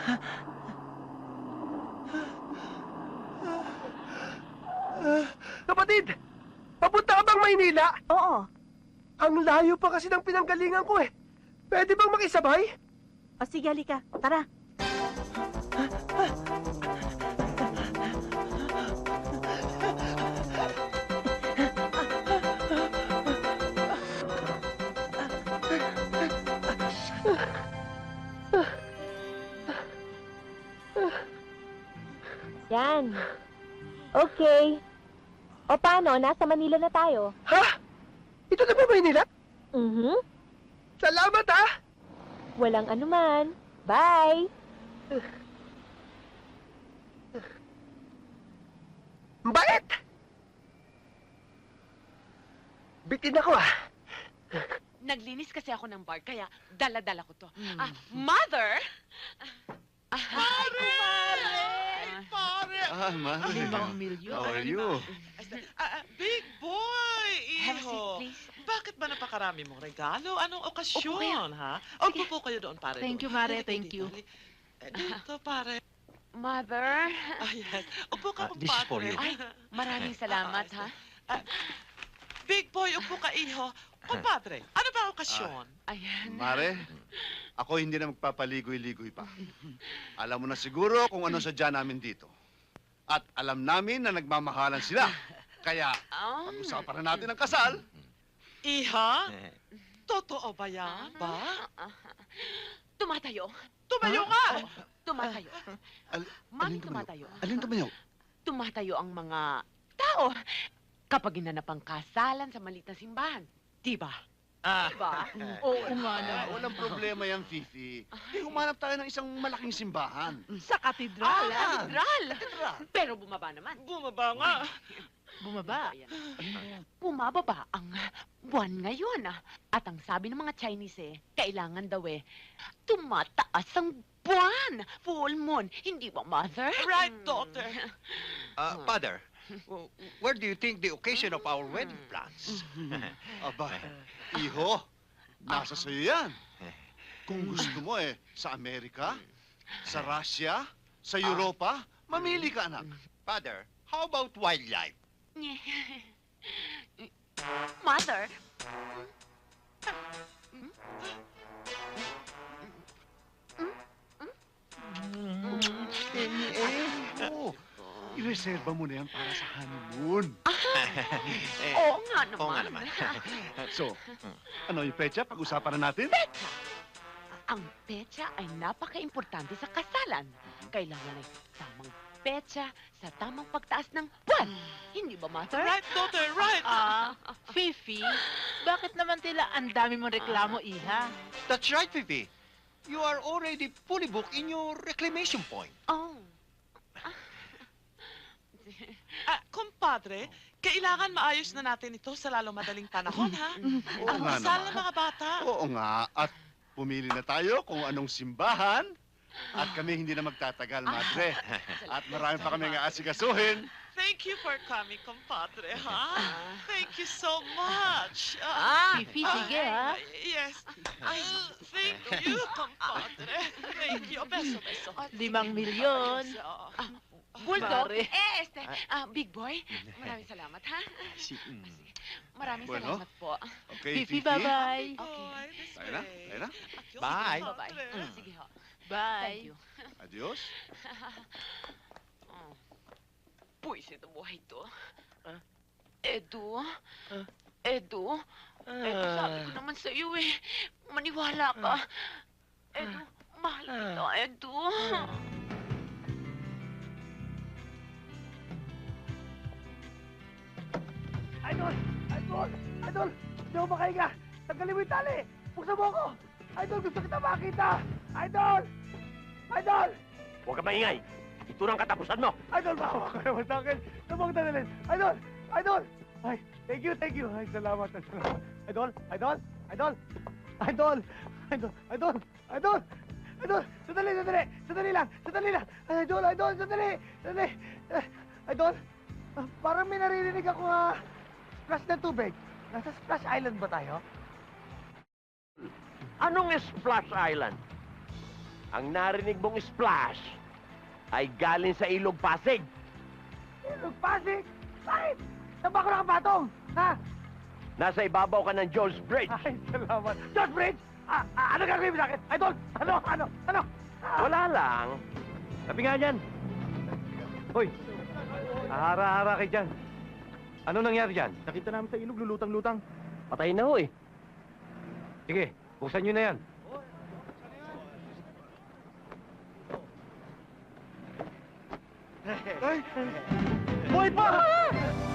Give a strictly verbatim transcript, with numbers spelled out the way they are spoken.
Kapatid! Papunta ka bang Maynila? Oo. Ang layo pa kasi ng pinanggalingan ko eh. Pwede bang makisabay? O sige, halika. Tara. Yan. Okay. O paano? Nasa Manila na tayo. Ha? Ito na ba Maynila? Mhm. Salamat ha! Walang anuman. Bye! Bait! Bitin ako ah. Naglinis kasi ako ng bar, kaya dala-dala ko to. Ah, Mother! Pare! Pare! Ah, Mare. Limang milyon. How are you? Ah, ah, big boy, Have a seat, iho. please. Bakit ba napakarami mong regalo? Anong Upo okasyon, ha? O, upo po kayo doon, pare. Thank you, doon. Mare, Dito, thank dito, you. dali. Eh, Dito, pare. Mother! Ah, yes. Upo ka, Ah, this is for kumpadre. you. Ay, maraming salamat, ha? Ah, big boy, upo ka, iho. Kumpadre, ano ba okasyon? Ayan. Mare, ako hindi na magpapaligoy-ligoy pa. Alam mo na siguro kung ano sadya namin dito. At alam namin na nagmamahalan sila. Kaya, Oh. pag-usapan na natin ang kasal. Iha? Totoo ba yan? Ba? Tumatayo. Tumayo ka! Tumatayo. Al- Mami, alin tumayo? tumatayo. Alin tumayo? Tumatayo ang mga tao kapag ginanap ang kasalan sa maliit na simbahan. Diba? Ah. Diba? Oo nga Ah, naman. walang problema yan, Fifi. Eh, humanap tayo ng isang malaking simbahan. Sa katedral. Ah, katedral! Pero bumaba naman. Bumaba nga. Bumaba. Ayan. Bumababa ang buwan ngayon. ah. At ang sabi ng mga Chinese eh, kailangan daw eh, tumataas ang buwan. Full moon. Hindi ba, Mother? Right, Hmm. daughter. Uh, Father, w- where do you think the occasion of our wedding plans? Aba, iho, nasa sa'yo yan. Kung gusto mo eh, sa Amerika, sa Russia, sa Europa, mamili ka, anak. Father, how about wildlife? Mother? Eh, oh, ireserba mo na yan para sa honeymoon. Eh, Oo nga naman. Oo nga naman. So, ano yung pecha? Pag-usapan na natin? Petsa. Ang petsa ay napaka-importante sa kasalan. Kailangan ay tamang petsa sa tamang pagtaas ng buwan. Hindi ba, Mother? Right, daughter, right. Ah, Fifi, bakit naman tila ang dami mong reklamo, iha? That's right, Fifi. You are already fully booked in your reclamation point. Oh. Ah, kumpadre, kailangan maayos na natin ito sa lalo madaling panahon, ha? Oo Ang nga kasal naman. ng mga bata. Oo nga, at pumili na tayo kung anong simbahan. At kami hindi na magtatagal, madre. At marami pa kami nga asikasuhin. Thank you for coming, compadre, ha? Thank you so much. Ah, Fifi, ah, sige, ha? Yes. Ay, thank you, compadre. Thank you. Beso, beso. Limang milyon. Beso. Bulldog? Pare. Eh, este, ah, Big Boy, maraming salamat, ha? Si, mm. Maraming Bueno. salamat po. Okay, Fifi, Fifi? bye-bye. Boy, this Tayo na, way. tayo na. Adios, Bye. Bye-bye. compadre. Mm, Sige ho. Bye. Thank you. Adios. Oh. Puwisit ang buhay to. Ah? Edu? Ah? Edu? Edu, sabi ko naman sa iyo eh. Maniwala ka. Edu, mahal kita, Edu. Idol! Idol! Idol! Hindi ako makahinga! Tanggalin mo yung tali! Buksan mo ako! Idol, gusto kita makita! Idol! Idol! Huwag ka maingay. Ito na ang katapusan mo. Idol, bawa ka naman sa akin! Sabang tanggalin! Idol! Idol! Ay, thank you, thank you! Ay, salamat, salamat! Idol! Idol! Idol! Idol! Idol! Idol! Idol! Idol! Sandali, sandali! Sandali lang! Sandali lang! Ay, Idol! Idol! Sandali! Sandali! Eh, Idol! ah, Parang may naririnig ako nga splash ng tubig. Nasa Splash Island ba tayo? Anong Splash Island? ang narinig mong splash ay galing sa ilog Pasig. Ilog Pasig? Bakit? Saan ba ako nakapatong? Ha? Nasa ibabaw ka ng George Bridge. Ay, salamat. George Bridge! Ah, ah, ano gagawin mo sa akin? Idol! Ano? Ano? Ano? Ah, Wala lang. Sabi nga dyan. Hoy, ahara-hara kay dyan. Ano nangyari dyan? Nakita namin sa ilog, lulutang-lutang. Patay na ho eh. Sige, buksan nyo na yan. Ay! Buhay pa!